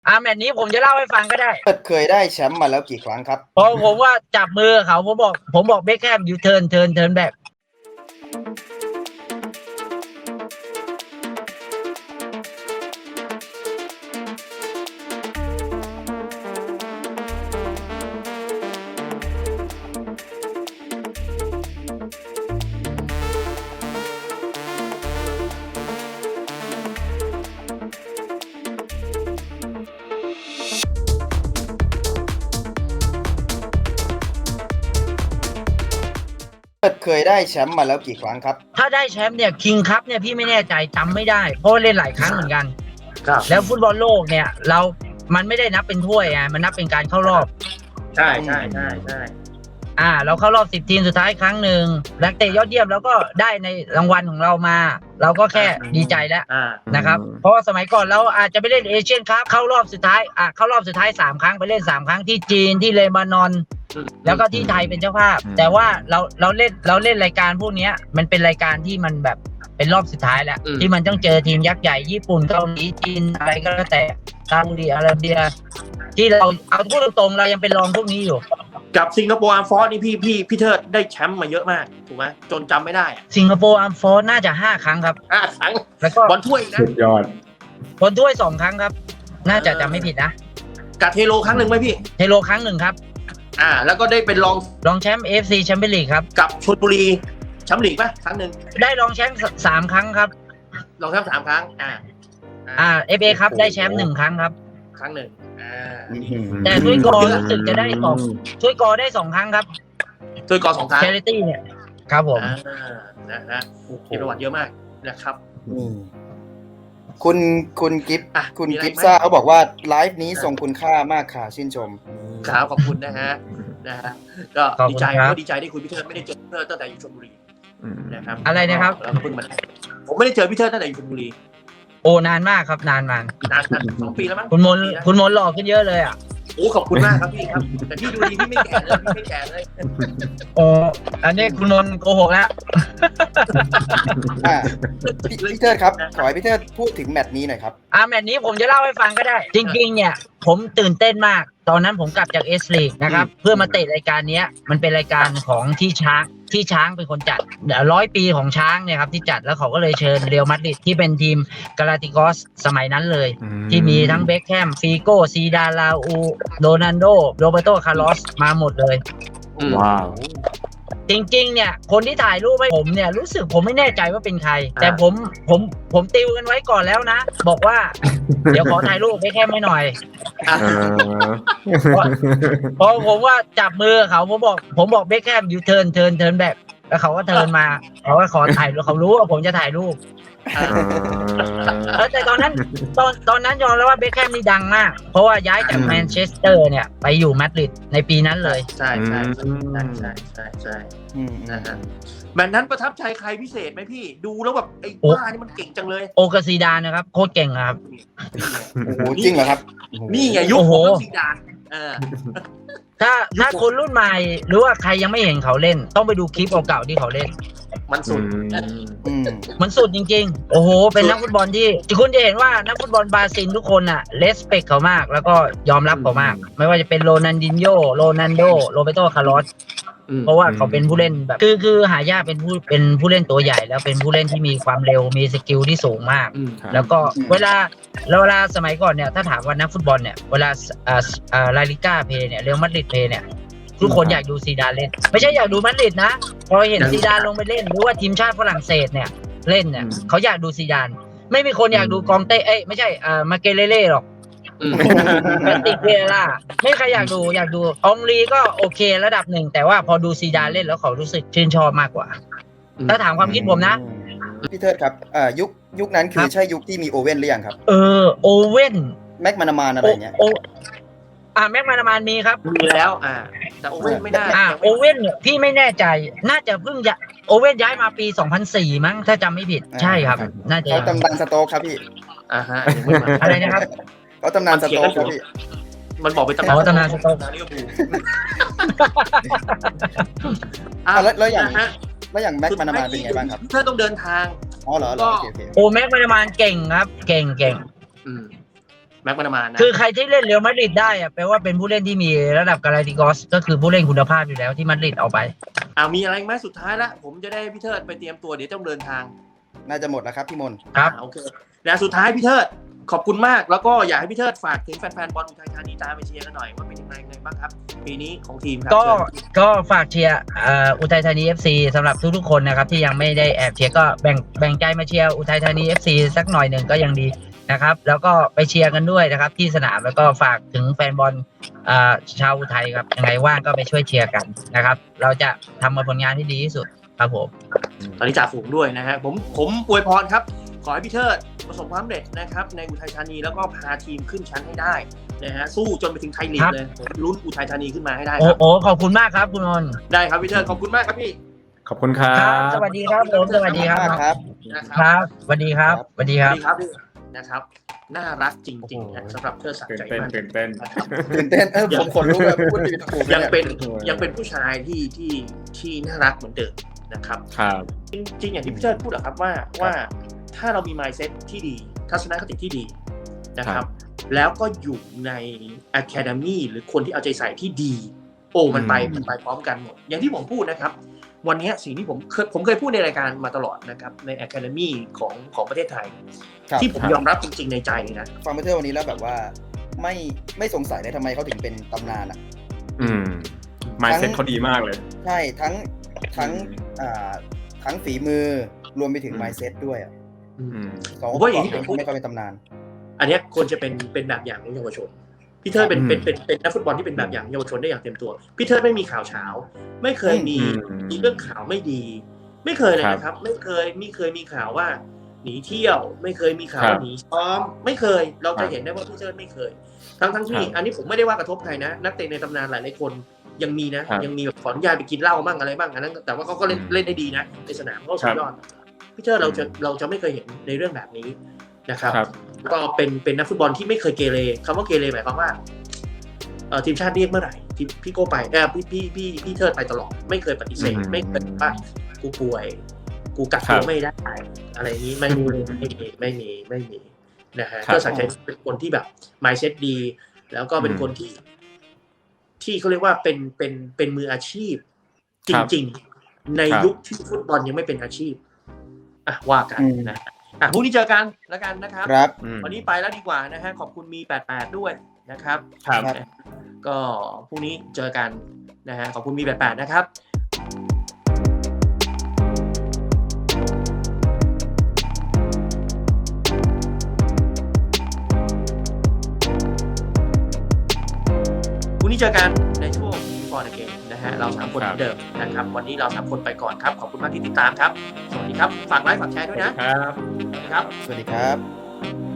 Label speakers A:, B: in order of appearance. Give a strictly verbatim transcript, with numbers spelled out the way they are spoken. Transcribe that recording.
A: อ่าแมตช์นี้ผมจะเล่าให้ฟังก็ได้
B: เคยได้แชมป์มาแล้วกี่ครั้งครับ
A: พอผมว่าจับมือเขาผมบอกผมบอกเบคแฮมยูเทิร์นเทิร์นเทิร์นแบ็ค
B: เคยได้แชมป์มาแล้วกี่ครั้งครับ
A: ถ้าได้แชมป์เนี่ยคิงคัพเนี่ยพี่ไม่แน่ใจจำไม่ได้เพราะเล่นหลายครั้งเหมือนกันแล้วฟุตบอลโลกเนี่ยเรามันไม่ได้นับเป็นถ้วยไงมันนับเป็นการเข้ารอบ
C: ใช่ใช่ใช่ใช่
A: อ่าเราเข้ารอบสิบทีมสุดท้ายครั้งหนึ่งนักเตะยอดเยี่ยมแล้วก็ได้ในรางวัลของเรามาเราก็แค่ดีใจแล้วนะครับเพราะว่าสมัยก่อนเราอาจจะไปเล่นเอเชียนคัพเข้ารอบสุดท้ายอ่ะเข้ารอบสุดท้ายสามครั้งไปเล่นสามครั้งที่จีนที่เลบานอนแล้วก็ที่ไทยเป็นเจ้าภาพแต่ว่าเราเราเล่นเราเล่นรายการพวกนี้มันเป็นรายการที่มันแบบเป็นรอบสุดท้ายแล้วที่มันต้องเจอทีมยักษ์ใหญ่ญี่ปุ่นเกาหลีจีนอะไรก็แล้วแต่ซาอุดิอาระเบียที่เราเอาพูดตรงๆเรายังเป็นรองพวกนี้อยู่
C: กับสิงคโปร์อาร์ฟอร์สนี่พี่พี่พี่เทิดได้แชมป์มาเยอะมากถูกไหมจนจำไม่ได้
A: สิงคโปร์อาร์ฟอร์สน่าจะห้าครั้งครับ
C: ห้าครั้ง
A: แล้วก็
C: บอลถ้วยนะ
D: สุดยอด
A: บอลถ้วยสองครั้งครับน่าจะจำไม่ผิดนะ
C: กับเทโลครั้งหนึ่งไหมพี่
A: เทโลครั้งหนึ่งครับ
C: อ่าแล้วก็ได้เป็นรอง
A: รองแชมป์ เอ เอฟ ซี แชมเปี้ยนลีกครับ
C: กับชลบุรีแชมป์ลีกป่ะครั้งหนึ่ง
A: ได้รองแชมป์สามครั้งครับ
C: รองแชมป์สามครั้งอ่า
A: อ่า เอฟ เอ ครับได้แชมป์หนึ่งครั้งครับ
C: ครั้งหนึ่งอ่า
A: แต่ถ้วยกอรู้สึกจะได้สองถ้วยกอได้สองครั้งครับ
C: ถ้วยกอสองครั้ง
A: Charity เนี่ยครับผม
C: นะฮะมีประวัติเยอะมากนะครับ
B: คุณคุณกิฟต์คุณกิฟต์ซ่าเขาบอกว่าไลฟ์นี้ทรงคุณค่ามากค่ะชื่นชม
C: ครับขอบคุณนะฮะนะฮะก็ดีใจก็ดีใจที่คุณพี่เทิดไม่ได้เจอพี่เทิดตั้งแต่อยู่ชลบุรีนะครับ
A: อะไรนะครับ
C: แล้วเพิ่งมาผมไม่ได้เจอพี่เทิดตั้งแต่อยู่ชลบุรี
A: โอ้นานมากครับนานมาก
C: นานสองปีแล้วมั้ง
A: คุณมนคุณมนหล่อขึ้นเยอะเลยอ่ะ
C: โอ้ขอบคุณมากครับพี่ครับแต่พี่ดูดีพี่ไม่แก่เลยพี่ไม่แก่เลย
A: โอ้อันนี้คุณมนโกหกแล้ว
B: พี่เทิดครับขอให้พี่เทิดพูดถึงแมตช์นี้หน่อยครับ
A: อ่าแมตช์นี้ผมจะเล่าให้ฟังก็ได้จริงๆเนี่ยผมตื่นเต้นมากตอนนั้นผมกลับจากเอสลีกนะครับเพื่อมาเตะรายการนี้มันเป็นรายการของที่ช้างที่ช้างเป็นคนจัดร้อยปีของช้างเนี่ยครับที่จัดแล้วเขาก็เลยเชิญเรอัลมาดริดที่เป็นทีมกาลาติกอสสมัยนั้นเลยที่มีทั้งเบคแฮมฟีโก้ซีดานลาอูโรนัลโดโรเบโตคาร์ลอสมาหมดเลย
D: ว้าว
A: จริงๆเนี่ยคนที่ถ่ายรูปให้ผมเนี่ยรู้สึกผมไม่แน่ใจว่าเป็นใครแต่ผมผมผมติวกันไว้ก่อนแล้วนะบอกว่าเดี๋ยวขอถ่ายรูปให้แค่ไม่หน่อยพอผมว่าจับมือเขาผมบอกผมบอกเบคแฮมยูเทิร์นเทิร์นเทิร์นแบ็คแล้วเขาก็เทิร์นมาเขาก็ขอถ่ายรูปเขารู้ว่าผมจะถ่ายรูปแต่ตอนนั้นตอนตอนนั้นยอมแล้วว่าเบคแฮมนี่ดังมากเพราะว่าย้ายจากแมนเชสเตอร์เนี่ยไปอยู่มาดริดในปีนั้นเลย
C: ใช่ใช่ใช่ใช่ใช่ใช่นะฮะแมตช์นั้นประทับใจใครพิเศษไหมพี่ดูแล้วแบบไอ้บ้านี่มันเก่งจังเลย
A: โอกาซีดานนะครับโคตรเก่งครับ
B: โอ้โหจริงเหรอครับ
C: นี่ไงยุคของซีดาน
A: ถ้าถ้าคนรุ่นใหม่หรือว่าใครยังไม่เห็นเขาเล่นต้องไปดูคลิปเก่าๆที่เขาเล่น
C: มันสุด
A: มันสุดจริงๆโอ้โหเป็นนักฟุตบอลที่คุณจะเห็นว่านักฟุตบอลบราซิลทุกคนอ่ะเลสเปคเขามากแล้วก็ยอมรับเขามากไม่ว่าจะเป็นโรนัลดินโญ่โรนัลโดโรเบโตคาร์ลอสเพราะว่าเขาเป็นผู้เล่นแบบคือคือหายากเป็นผู้เป็นผู้เล่นตัวใหญ่แล้วเป็นผู้เล่นที่มีความเร็วมีสกิลที่สูงมากแล้วก็เวลาเวลาสมัยก่อนเนี่ยถ้าถามว่านักฟุตบอลเนี่ยเวลาอ่าอ่าลาลิก้าเพย์เนี่ยเรอัลมาดริดเพย์เนี่ยทุกคนอยากดูซีดานเล่นไม่ใช่อยากดูมาดริดนะพอเห็นซีดานลงไปเล่นหรือว่าทีมชาติฝรั่งเศสเนี่ยเล่นเนี่ยเขาอยากดูซีดานไม่มีคนอยากดูกองเต้เอ้ยไม่ใช่อ่ามาเกเลเล่หรอกแมตติกเวล่าไม่ใครอยากดูอยากดูองลีก็โอเคระดับหนึ่งแต่ว่าพอดูซีดานเล่นแล้วเขารู้สึกชื่นชอบมากกว่าถ้าถามความคิดผมนะ
B: พี่เทิดครับอ่ายุคยุคนั้นคือใช่ยุคที่มีโอเว่นหรือยังครับ
A: เออโอเว่น
B: แม็กมานามานอะไรเงี้ย
A: อ่าแม็กมานามานมีครับ
C: มีแล้วอ่าแต่โอเว่นไม่ได้
A: อ่าโอเว่นเนี่ยพี่ไม่แน่ใจน่าจะเพิ่งโอเว่นย้ายมาปีสองพันสี่มั้งถ้าจำไม่ผิดใช่ครับน่าจะ
B: เขาตำนานสโต๊กครับพี่
C: อ่าฮะ
A: อะไรนะครับ
B: เขาตำนานสโต๊กครับพี่
C: มันบอกเป็นตำนาน
A: ตำนานสโต๊ก
B: อ่าแล้วแล้วอย่างแล้วอย่างแม็กมานามานเป็นไงบ้างครับ
C: ถ้าต้องเดินทาง
B: อ๋อเหรอโอเค
A: โอ้แม็กมานามานเก่งครับเก่งเก่ง
C: แม็กมานามานะ
A: คือใครที่เล่นเรอัลมาดริดได้อะแปลว่าเป็นผู้เล่นที่มีระดับกาลาติกอสก็คือผู้เล่นคุณภาพอยู่แล้วที่มาดริดเอาไป
C: อ่ามีอะไรไหมสุดท้ายละผมจะได้พี่เทิดไปเตรียมตัวเดี๋ยวต้องเดินทาง
B: น่าจะหมดแล้วครับพี่มน
A: ครับ
C: โอเคแล้วสุดท้ายพี่เทิดขอบคุณมากแล้วก็อยากให้พี่เทิดฝากถึงแฟนๆบอลอุทัยธานีตามไปเชียร์กันหน่อยว่าเป็นยังไงไงบ้างครับปีนี้ของทีมครับ
A: ก็ก็ฝากเชียร์อุทัยธานี เอฟ ซี สำหรับทุกๆคนนะครับที่ยังไม่ได้แอบเชียร์ก็แบ่งแบ่งใจมาเชียร์อุทัยธานี เอฟ ซี สักหน่อยหนึ่งก็ยังดีนะครับแล้วก็ไปเชียร์กันด้วยนะครับที่สนามแล้วก็ฝากถึงแฟนบอลชาวอุทัยครับยังไงว่างก็ไปช่วยเชียร์กันนะครับเราจะทำผลงานที่ดีที่สุดครับผม
C: ตอนนี้จ่าฝูงด้วยนะฮะผมผมอวยพรครับขอให้พี่เทิดประสบความสำเร็จนะครับในอุทัยธานีแล้วก็พาทีมขึ้นชั้นให้ได้นะฮะสู้จนไปถึงไทยลีกเลยลุ้นอุทัยธานีขึ้นมาให้ได้ครับ
A: โอ้ขอบคุณมากครับคุณนนท์
C: ได้ครับพี่เทิดขอบคุณมากครับพี่
D: ขอบคุณครับ
A: สวัสดีครับผมสวัสดีครับ
B: ครับ
A: ครับสวัสดีครับสวัสดีครับ
C: นะครับน่ารักจริงๆนะสำหรับเทิดศักดิ์ใจมาก
D: ตื่นเต้น
B: ตื่นเต้นเออผมขนลุกแบบพูดดีถูก
C: ยังเป็นยังเป็นผู้ชายที่ที่ที่น่ารักเหมือนเดิมนะครับ
D: ครับ
C: จริงๆอย่างที่พี่เทิดพูดอะครับว่าว่าถ้าเรามี mindset ที่ดีทัศนคติที่ดีนะครับแล้วก็อยู่ใน academy หรือคนที่เอาใจใส่ที่ดีโอ้มันไปมันไปพร้อมกันหมดอย่างที่ผมพูดนะครับวันนี้สิ่งที่ผมเคยผมเคยพูดในรายการมาตลอดนะครับใน academy ของของประเทศไทยที่ผมยอมรับจริงๆในใจนะ
B: ฟังมาเที่ยววันนี้แล้วแบบว่าไม่ไม่สงสัยเลยทำไมเขาถึงเป็นตำนานอ่ะ
D: อืม mindset เขาดีมากเลย
B: ใช่ทั้งทั้งอ่าทั้งฝีมือรวมไปถึง mindset ด้วยอ่ะสองคนที่ผมไม่ค่อยเป็นตำนาน
C: อันนี้ควรจะเป็นเป็นแบบอย่างของเยาวชนพี่เทิดเป็นเป็นเป็นเป็นนักฟุตบอลที่เป็นแบบอย่างเยาวชนได้อย่างเต็มตัวพี่เทิดไม่มีข่าวเช้าไม่เคยมีมีเรื่องข่าวไม่ดีไม่เคยเลยนะครับไม่เคยไม่เคยมีข่าวว่าหนีเที่ยวไม่เคยมีข่าวหนีซ้อมไม่เคยเราจะเห็นได้ว่าพี่เทิดไม่เคยทั้งทั้งที่อันนี้ผมไม่ได้ว่ากระทบใครนะนักเตะในตำนานหลายหลายคนยังมีนะยังมีแบบขออนุญาตไปกินเหล้าบ้างอะไรบ้างอันนั้นแต่ว่าเขาก็เล่นเล่นได้ดีนะในสนามเขาสุดยอดพี่เทิดเราจะเราจะไม่เคยเห็นในเรื่องแบบนี้นะครับก็เป็นเป็นนักฟุตบอลที่ไม่เคยเกเรคำว่าเกเรหมายความว่าเอ่อทีมชาติเรียกเมื่อไหร่พี่พี่โก้ไปเออพี่พี่พี่พี่เทิดไปตลอดไม่เคยปฏิเสธไม่เคยว่ากูป่วยกูกักตัวไม่ได้อะไรนี้ไม่มีไม่มีไม่มีไม่มีนะฮะก็สังเกตเป็นคนที่แบบ mindset ดีแล้วก็เป็นคนที่ที่เขาเรียกว่าเป็นเป็นเป็นมืออาชีพจริงๆในยุคที่ฟุตบอลยังไม่เป็นอาชีพอ่ะว่ากันนะอ่ะพรุ่งนี้เจอกันแล้วกันนะครับวันนี้ไปแล้วดีกว่านะฮะขอบคุณมีแปดแปดด้วยนะครับก็พรุ่งนี้เจอกันนะฮะขอบคุณมีแปดแปดนะครับพรุ่งนี้เจอกันในช่วง Before the Game นะฮะเราสามคนเหมือนเดิมนะครับวันนี้เราสามคนไปก่อนครับขอบคุณมากที่ติดตามครับสวัสดีครับฝากไลค์ฝากแชร์ด้วยนะครับ
B: สวัสดีครับ